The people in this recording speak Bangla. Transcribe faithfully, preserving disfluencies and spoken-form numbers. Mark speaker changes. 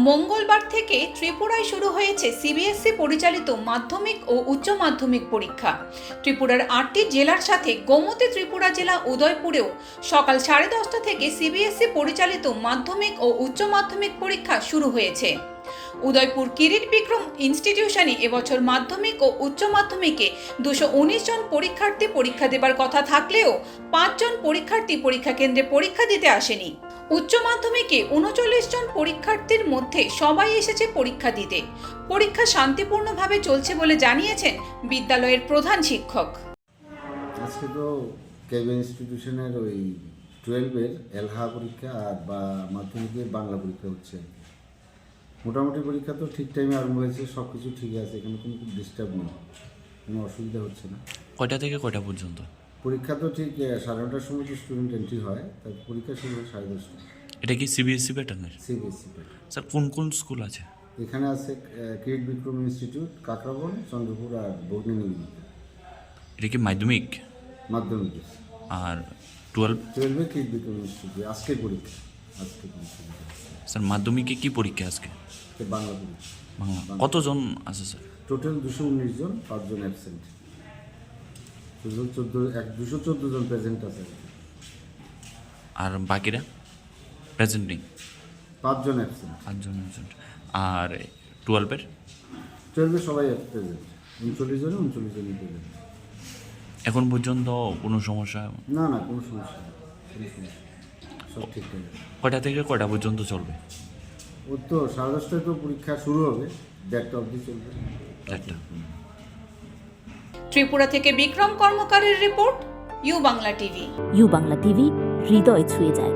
Speaker 1: মঙ্গলবার থেকে ত্রিপুরায় শুরু হয়েছে সিবিএসই পরিচালিত মাধ্যমিক ও উচ্চ মাধ্যমিক পরীক্ষা। ত্রিপুরার আটটি জেলার সাথে গোমতী ত্রিপুরা জেলা উদয়পুরেও সকাল সাড়ে দশটা থেকে সিবিএসই পরিচালিত মাধ্যমিক ও উচ্চ মাধ্যমিক পরীক্ষা শুরু হয়েছে। উদয়পুর কিরিট বিক্রম ইনস্টিটিউশনে এবছর মাধ্যমিক ও উচ্চ মাধ্যমিকে দুশো উনিশ জন পরীক্ষার্থী পরীক্ষা দেবার কথা থাকলেও পাঁচজন পরীক্ষার্থী পরীক্ষা কেন্দ্রে পরীক্ষা দিতে আসেনি। উচ্চ মাধ্যমিকে উনচল্লিশ জন পরীক্ষার্থীর মধ্যে সবাই এসেছে পরীক্ষা দিতে। পরীক্ষা শান্তিপূর্ণভাবে চলছে বলে জানিয়েছেন বিদ্যালয়ের প্রধান শিক্ষক।
Speaker 2: আজকে তো কেবি ইনস্টিটিউশনের ওই টুয়েলভের এলহা পরীক্ষা আর বা মাধ্যমিকের বাংলা পরীক্ষা হচ্ছে। মোটামুটি পরীক্ষা তো ঠিক টাইমে আরম্ভ হয়েছে, সব কিছু ঠিকই আছে, এখানে কোনো ডিস্টার্ব নেই, কোনো অসুবিধা হচ্ছে না।
Speaker 3: কয়টা থেকে কয়টা পর্যন্ত
Speaker 2: পরীক্ষা তো ঠিক সাড়ে নটার সময় তো স্টুডেন্ট এন্ট্রি হয়, তার পরীক্ষা শুরু হয় সাড়ে দশটা।
Speaker 3: এটা কি সিবিএসসি প্যাটার্নের?
Speaker 2: CBSE pattern.
Speaker 3: স্যার কোন কোন স্কুল আছে
Speaker 2: এখানে আছে? কিরিট বিক্রম ইনস্টিটিউট, কাকরাবন, চন্দ্রপুর আর বগ্নি নিবেদিতা।
Speaker 3: এটা কি মাধ্যমিক?
Speaker 2: মাধ্যমিক।
Speaker 3: আর টুয়েলভ?
Speaker 2: টুয়েলভে কিরিট বিক্রম ইনস্টিটিউট। আজকে পরীক্ষা, আজকে পরীক্ষা।
Speaker 3: স্যার মাধ্যমিকে কি পরীক্ষা আজকে?
Speaker 2: বাংলা পরীক্ষা।
Speaker 3: বাংলা কতজন আছে স্যার?
Speaker 2: টোটাল দুশো উনিশ জন, পাঁচজন অ্যাবসেন্ট। টোটাল চোদ্দো এক দুশো চোদ্দো জন প্রেজেন্ট আছে।
Speaker 3: আর বাকিরা প্রেজেন্ট নেই?
Speaker 2: পাঁচজন অ্যাবসেন্ট।
Speaker 3: পাঁচজন অ্যাবসেন্ট। আর টুয়েলভের?
Speaker 2: টুয়েলভে সবাই প্রেজেন্ট, উনচল্লিশ জনে উনচল্লিশ জনই প্রেজেন্ট।
Speaker 3: এখন পর্যন্ত কোনো সমস্যা?
Speaker 2: না না, কোনো সমস্যা নেই, কোনো সমস্যা, সব ঠিকঠাক আছে।
Speaker 3: কয়টা থেকে কয়টা পর্যন্ত চলবে?
Speaker 2: ওর তো সাড়ে দশটায় তো পরীক্ষা শুরু হবে, দেড়টা অবধি চলবে।
Speaker 3: চারটা।
Speaker 1: ত্রিপুরা থেকে বিক্রম কর্মকারের report, U Bangla TV.
Speaker 4: U Bangla TV হৃদয় ছুঁয়ে যায়।